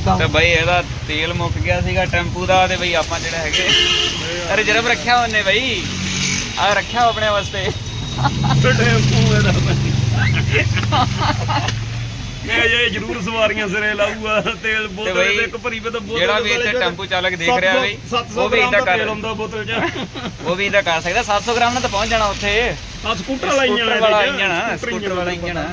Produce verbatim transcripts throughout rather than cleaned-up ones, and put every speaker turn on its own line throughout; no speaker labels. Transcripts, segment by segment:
बोलता
ਤੇ ਬਈ ਇਹਦਾ ਤੇਲ ਮੁੱਕ ਗਿਆ ਸੀਗਾ ਟੈਂਪੂ ਦਾ ਤੇ ਬਈ ਆਪਾਂ ਜਿਹੜਾ ਹੈਗੇ ਰਿਜ਼ਰਵ ਰੱਖਿਆ ਉਹਨੇ ਬਈ ਆ ਰੱਖਿਆ ਆਪਣੇ ਵਾਸਤੇ
ਟੈਂਪੂ ਇਹਦਾ ਮੈਂ ਇਹ ਜ਼ਰੂਰ ਸਵਾਰੀਆਂ ਸਿਰੇ ਲਾਊਗਾ ਤੇਲ ਬੋਤਲ ਦੇ ਇੱਕ ਭਰੀ ਵੇ ਤਾਂ ਬੋਤਲ
ਜਿਹੜਾ ਵੀ ਇੱਥੇ ਟੈਂਪੂ ਚਾਲਕ ਦੇਖ ਰਿਹਾ ਬਈ ਉਹ ਵੀ ਇਦਾਂ ਕਰ
ਹੁੰਦਾ ਬੋਤਲ ਚ
ਉਹ ਵੀ ਇਦਾਂ ਕਰ ਸਕਦਾ ਸੱਤ ਸੌ ਗ੍ਰਾਮ ਨਾਲ ਤਾਂ ਪਹੁੰਚ ਜਾਣਾ ਉੱਥੇ
ਆ ਸਕੂਟਰ ਵਾਲਾ ਇੰਜਣ
ਵਾਲਾ ਇੰਜਣ ਸਕੂਟਰ ਵਾਲਾ ਇੰਜਣ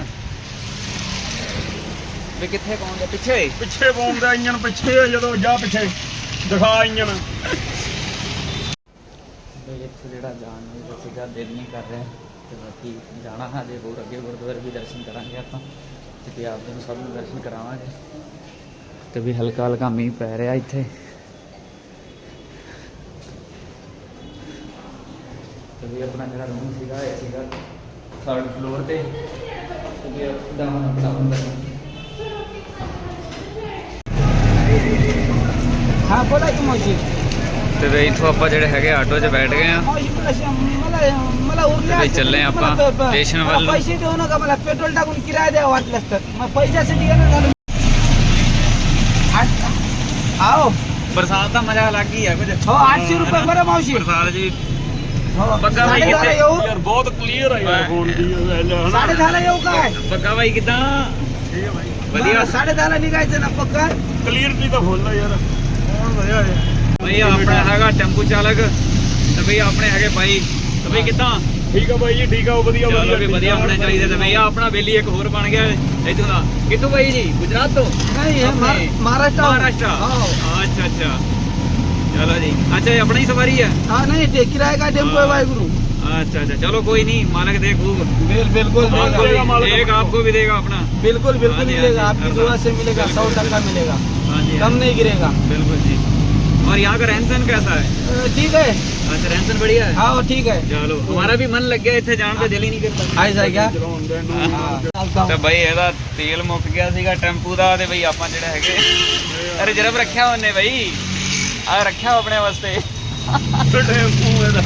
ਵੀ ਕਿੱਥੇ ਪਹੁੰਚਦਾ ਪਿੱਛੇ
ਪਿੱਛੇ ਪਾਉਂਦਾ ਇੰਜਣ ਪਿੱਛੇ ਜਦੋਂ ਜਾ ਪਿੱਛੇ ਦਿਖਾ ਇੰਜਣ
ਬਈ ਇੱਥੇ ਜਿਹੜਾ ਜਾਣ ਨੂੰ ਸੀਗਾ ਦਿਲ ਨਹੀਂ ਕਰ ਰਿਹਾ ਤੇ ਬਾਕੀ ਜਾਣਾ ਹਜੇ ਹੋਰ ਅੱਗੇ ਗੁਰਦੁਆਰੇ ਵੀ ਦਰਸ਼ਨ ਕਰਾਂਗੇ ਆਪਾਂ ਤੇ ਆਪ ਜੀ ਨੂੰ ਸਭ ਨੂੰ ਦਰਸ਼ਨ ਕਰਾਵਾਂਗੇ ਤੇ ਵੀ ਹਲਕਾ ਹਲਕਾ ਮੀਂਹ ਪੈ ਰਿਹਾ ਇੱਥੇ ਤੇ ਵੀ ਆਪਣਾ ਜਿਹੜਾ ਰੂਮ ਸੀਗਾ ਇਹ ਸੀਗਾ ਥਰਡ ਫਲੋਰ ਤੇ ਤੇ ਵੀ ਡਾਊਨ ਅਪ ਡਾਊਨ ਕਰਨਾ
हाँ बोला कि मौसी
ਤੇ ਵੀ ਇੱਥੋਂ ਆਪਾਂ ਜਿਹੜੇ ਹੈਗੇ ਆਟੋ 'ਚ ਬੈਠ ਗਏ ਆ
मौसी मला मला मला उरल्या
ते चाललंय आपण स्टेशन वर.
पैसे देऊ नका मला पेट्रोल टाकून किराया द्या वाटलंस तर मग पैशासाठी येणं झालं आठ- आओ
ਬਰਸਾਤ ਦਾ ਮਜ਼ਾ ਅਲੱਗ ਹੀ ਆ ਕੁਝ
हो आठशे रुपये बरं मावशी
ਬਰਸਾਤ ਜੀ
हो
बघा बाई
साडे दहाला
किती-
येऊ
ਯਾਰ ਬਹੁਤ ਕਲੀਅਰ ਆ ਯਾਰ ਫੋਨ ਦੀ
साडे दहाला येऊ काय
ਬੱਗਾ ਬਾਈ ਕਿਦਾਂ ਵਧੀਆ
साडे दहाला निघायचं ना पक्का
ਕਲੀਅਰਟੀ ਤਾਂ ਫੁੱਲ ਆ ਯਾਰ ਫੋਨ ਵਧੀਆ ਹੈ
ਬਈ ਆਪਣਾ ਹੈਗਾ ਟੈਂਪੂ ਚਾਲਕ ਤੇ ਬਈ ਆਪਣੇ ਹੈਗੇ ਬਾਈ ਤੇ ਬਈ ਕਿਦਾਂ
ਠੀਕ ਆ ਬਾਈ ਜੀ ਠੀਕ ਆ ਉਹ ਵਧੀਆ
ਚਲੋ ਵੀ ਵਧੀਆ ਹੋਣਾ ਚਾਹੀਦਾ ਤੇ ਬਈ ਆਪਣਾ ਬੇਲੀ ਇੱਕ ਹੋਰ ਬਣ ਗਿਆ ਇੱਥੋਂ ਦਾ ਕਿੱਥੋਂ ਬਾਈ ਜੀ ਗੁਜਰਾਤ ਤੋਂ
नहीं हे
अपने-
महारा- महाराष्ट्र
महाराष्ट्र
हो
अच्छा अच्छा चलो जी अच्छा ये अपनी ही सवारी है
हाँ नहीं टे किराए का टेम्पो है वाहेगुरु
अच्छा अच्छा चलो कोई नहीं मालिक दे खूब
बिल बिल्कुल
मालिक
देगा।
मालिक
एक आपको भी देगा अपना
बिल्कुल बिल्कुल
हाँ जी,
मिलेगा
हाँ जी,
आपकी
हाँ
दुआ से मिलेगा सौ टका मिलेगा
हाँ जी
कम नहीं गिरेगा
बिल्कुल जी और यहाँ का रहन सहन कैसा है
अ, ठीक है
अच्छा रहन सहन बढ़िया है
हाँ वो ठीक है
चलो हमारा भी मन लग गया इतने जान पे दिल ही नहीं करता
ऐसा है क्या
ਤੇ ਬਈ ਇਹਦਾ ਤੇਲ ਮੁੱਕ ਗਿਆ ਸੀਗਾ ਟੈਂਪੂ ਦਾ ਤੇ ਬਈ ਆਪਾਂ ਜਿਹੜਾ ਹੈਗੇ ਰਿਜ਼ਰਵ ਰੱਖਿਆ ਉਹਨੇ ਬਈ ਆ ਰੱਖਿਆ ਆਪਣੇ ਵਾਸਤੇ
ਟੈਂਪੂ ਇਹਦਾ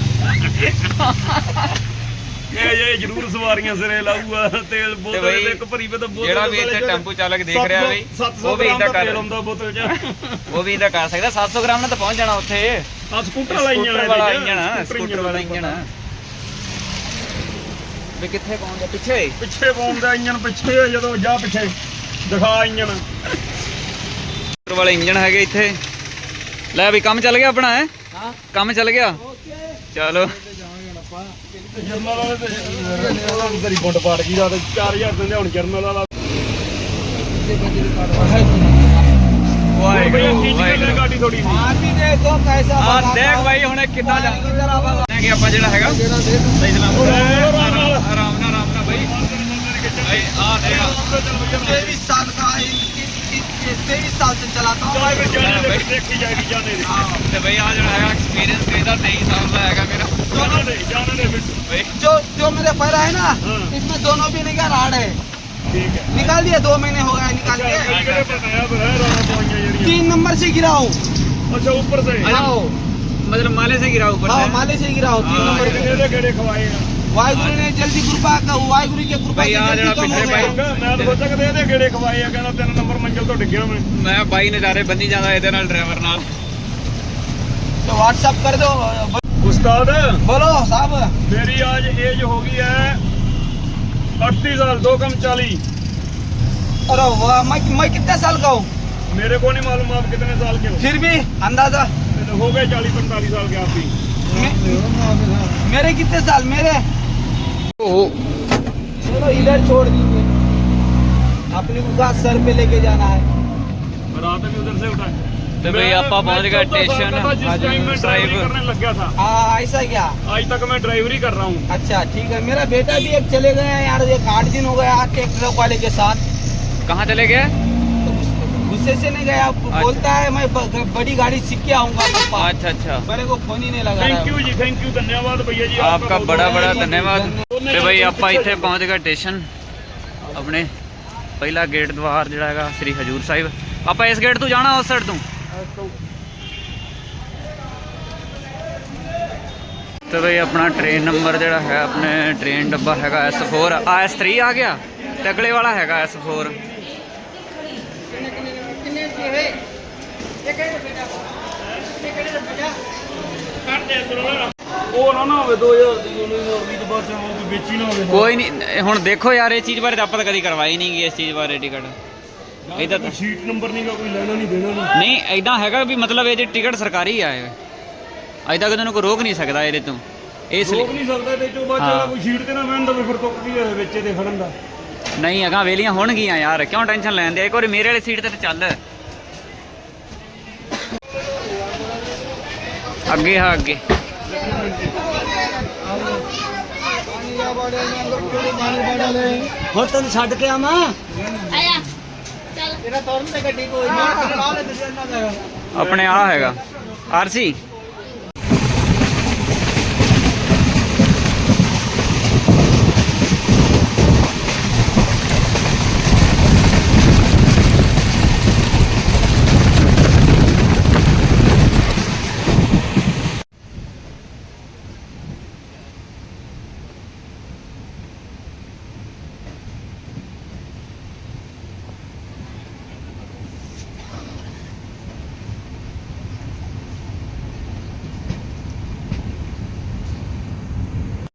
ਮੈਂ ਇਹ ਜ਼ਰੂਰ ਸਵਾਰੀਆਂ ਸਿਰੇ ਲਾਊਗਾ ਤੇਲ ਬੋਤਲ
ਬਈ
ਦੇ ਇੱਕ ਭਰੀ ਵੇ ਤਾਂ ਬੋਤਲ
ਜਿਹੜਾ ਵੀ ਇੱਥੇ ਟੈਂਪੂ ਚਾਲਕ ਦੇਖ ਰਿਹਾ ਬਈ ਉਹ ਵੀ ਇਦਾਂ ਕਰ
ਹੁੰਦਾ ਬੋਤਲ ਚ
ਉਹ ਵੀ ਇਦਾਂ ਕਰ ਸਕਦਾ ਸੱਤ ਸੌ ਗ੍ਰਾਮ ਨਾਲ ਤਾਂ ਪਹੁੰਚ ਜਾਣਾ ਉੱਥੇ
ਆ ਸਕੂਟਰ ਵਾਲਾ ਇੰਜਣ
ਸਕੂਟਰ ਵਾਲਾ ਇੰਜਣ ਸਕੂਟਰ ਵਾਲਾ ਇੰਜਣ ਵੀ ਕਿੱਥੇ ਪਹੁੰਚਦਾ ਪਿੱਛੇ
ਪਿੱਛੇ ਪਾਉਂਦਾ ਇੰਜਣ ਪਿੱਛੇ ਜਦੋਂ ਜਾ ਪਿੱਛੇ ਦਿਖਾ ਇੰਜਣ
ਸਕੂਟਰ ਵਾਲਾ ਇੰਜਣ ਹੈਗੇ ਇੱਥੇ ਲੈ ਵੀ ਕੰਮ ਚੱਲ ਗਿਆ ਆਪਣਾ ਹੈ
हाँ
ਕੰਮ ਚੱਲ ਗਿਆ ਚਲੋ
ਜਰਨਲ ਵਾਲੇ ਤੇ ਤੇਰੀ ਬੁੰਡ ਪਾੜ ਗਈ ਰਾਤ ਚਾਰ ਹਜ਼ਾਰ ਦਿੰਦੇ ਹੁਣ ਜਰਨਲ ਵਾਲਾ
ਵਾਹਿਗੁਰੂ ਵਾਹਿਗੁਰੂ
ਗਾਡੀ ਥੋੜੀ
आदमी देखो कैसा
ਆ
बनाता
ਦੇਖ
हूँ।
ਬਾਈ ਹੁਣ ਕਿੱਦਾਂ ਜਾ
जरा बगा-
ਕਿ ਆਪਾਂ ਜਿਹੜਾ ਹੈਗਾ ਸਹੀ ਸਲਾਮ ਆਰਾਮ ਨਾਲ ਆਰਾਮ ਨਾਲ ਬਾਈ ਭਾਈ ਆ ਦੇਖ
तेईस साल का है, तेईस साल से चलाता हूँ
ਦੇਖੀ ਜਾਏਗੀ ਜਾਣੇ ਦੇ
ਤੇ ਬਈ ਆ ਜਿਹੜਾ ਹੈਗਾ ਐਕਸਪੀਰੀਅੰਸ ਇਹਦਾ ਤੇਈ ਸਾਲ ਦਾ ਹੈਗਾ ਮੇਰਾ
ਜਾਣੇ ਦੇ ਜਾਣੇ ਦੇ ਵਿੱਚ
ਬਈ
जो जो मेरे पैरा है ना
हाँ।
इसमें दोनों भी निकाल राड है
ਠੀਕ ਹੈ
निकाल दिए दो महीने हो गए निकाल
ਕਿਹੜੇ
के
ਕਿਹੜੇ ਪਤਾਇਆ ਪਰ ਹੈ ਰਾਣਾ ਪਾਈਆਂ ਜਿਹੜੀਆਂ
तीन नंबर से गिरा हूँ
ਅੱਛਾ ਉੱਪਰ ਸੇ
आओ
मतलब माले से गिरा ऊपर
हाँ
से
माले से गिरा हूँ तीन
हाँ,
नंबर
ਕਿਹੜੇ ਦੇ ਕਿਹੜੇ ਖਵਾਏ ਆ
वाहिगुरु ने जल्दी कृपा का वाहिगुरु के कृपा
भाई,
से
यहाँ
जल्दी
जरा
कम हो
पीछे
गया।
भाई।
ਮੈਂ ਤਾਂ ਸੋਚਿਆ ਕਿ ਇਹਦੇ ਕਿਹੜੇ ਖਵਾਏ ਆ ਕਹਿੰਦਾ ਤਿੰਨ ਨੰਬਰ ਮੰਜ਼ਲ ਤੋਂ ਡਿੱਗਿਆ ਮੈਂ
मैं बाई नज़ारे बनी जाता ਇਹਦੇ ਨਾਲ ਡਰਾਈਵਰ ਨਾਲ
तो व्हाट्सअप कर दो
ਉਸਤਾਦ
बोलो साहब
मेरी आज एज हो गई है अड़तीस साल दो कम चालीस
अरे वाह मैं मैं कितने साल का हूँ
मेरे को नहीं मालूम आप कितने साल के हो
फिर भी अंदाजा
तो हो गए चालीस पैंतालीस साल के आप भी
मे- मेरे कितने साल मेरे
ओ
चलो इधर छोड़ दीजिए अपने को घास सर पे लेके जाना है
रात भी उधर से उठा
तो भाई आपा पहुंच गए स्टेशन
जिस टाइम में ड्राइवरी करने लग गया था
हाँ ऐसा क्या
आज तक मैं ड्राइवरी कर रहा हूँ
अच्छा ठीक है मेरा बेटा भी एक चले गए हैं यार एक आठ दिन हो गया ट्रैक्टर वाले के साथ
कहाँ चले गए
तो गुस्से से नहीं गया बोलता है मैं ब- बड़ी गाड़ी सीख के आऊंगा पापा
अच्छा अच्छा
मेरे को फोन ही नहीं लगा रहा
थैंक
है।
यू जी थैंक यू धन्यवाद भैया जी
आपका बड़ा बड़ा धन्यवाद
धन्यवाद।
ਤੇ ਬਈ ਆਪਾਂ ਇੱਥੇ ਪਹੁੰਚ ਗਏ ਸਟੇਸ਼ਨ ਆਪਣੇ ਪਹਿਲਾ ਗੇਟ ਦਵਾਰ ਜਿਹੜਾ ਹੈਗਾ ਸ੍ਰੀ ਹਜੂਰ ਸਾਹਿਬ ਆਪਾਂ ਇਸ ਗੇਟ ਤੋਂ ਜਾਣਾ ਉਸ ਸਾਈਡ ਤੋਂ ਤੇ ਬਈ ਆਪਣਾ ਟ੍ਰੇਨ ਨੰਬਰ ਜਿਹੜਾ ਹੈ ਆਪਣੇ ਟ੍ਰੇਨ ਡੱਬਾ ਹੈਗਾ ਐਸ ਫੋਰ ਆ ਐਸ ਥ੍ਰੀ ਆ ਗਿਆ ਤੇ ਅਗਲੇ ਵਾਲਾ ਹੈਗਾ ਐਸ ਫੋਰ
ਉਹ ਨਾ ਨਾ ਹੋਵੇ ਦੋ ਹਜ਼ਾਰ ਦੀ ਉਹਨੇ ਵੀਹ ਤੋਂ ਬਾਅਦ ਚ ਉਹ ਕੋਈ ਵੇਚੀ ਨਾ ਹੋਵੇ
ਕੋਈ ਨਹੀਂ ਹੁਣ ਦੇਖੋ ਯਾਰ ਇਹ ਚੀਜ਼ ਬਾਰੇ ਤਾਂ ਆਪਾਂ ਤਾਂ ਕਦੀ ਕਰਵਾਈ ਨਹੀਂ ਗਈ ਇਸ ਚੀਜ਼ ਬਾਰੇ ਟਿਕਟ ਇਹਦਾ ਤਾਂ
ਸੀਟ ਨੰਬਰ ਨਹੀਂਗਾ ਕੋਈ ਲੈਣਾ ਨਹੀਂ ਦੇਣਾ ਨਹੀਂ
ਨਹੀਂ ਐਦਾਂ ਹੈਗਾ ਵੀ ਮਤਲਬ ਇਹ ਜੇ ਟਿਕਟ ਸਰਕਾਰੀ ਆ ਇਹ ਐਦਾਂ ਕਿ ਤੈਨੂੰ ਕੋਈ ਰੋਕ ਨਹੀਂ ਸਕਦਾ ਇਹਦੇ ਤੋਂ ਇਸ ਲਈ
ਰੋਕ ਨਹੀਂ ਸਕਦਾ ਤੇ ਚੋਂ ਬਾਅਦ
ਹਾਂ।
ਚ ਕੋਈ ਸੀਟ ਤੇ ਨਾ ਬਹਿਣ ਦਾ ਫਿਰ ਤੁੱਕਦੀ ਹੈ ਵਿੱਚ ਇਹਦੇ ਖੜਨ ਦਾ
ਨਹੀਂ ਅਗਾਂ ਵੇਲੀਆਂ ਹੋਣਗੀਆਂ ਯਾਰ ਕਿਉਂ ਟੈਨਸ਼ਨ ਲੈਂਦੇ ਇੱਕ ਵਾਰੀ ਮੇਰੇ ਵਾਲੀ ਸੀਟ ਤੇ ਤਾਂ ਚੱਲ ਅੱਗੇ ਹਾਂ ਅੱਗੇ
ਹੁਣ ਤੈਨੂੰ ਛੱਡ ਕੇ ਆਵਾਂ
ਆਇਆ ਚੱਲ
ਤੇਰਾ ਤੁਰਨ ਤੇ ਗੱਡੀ ਕੋਈ ਨਹੀਂ
ਆਪਣੇ ਆ ਹੈਗਾ ਆਰਸੀ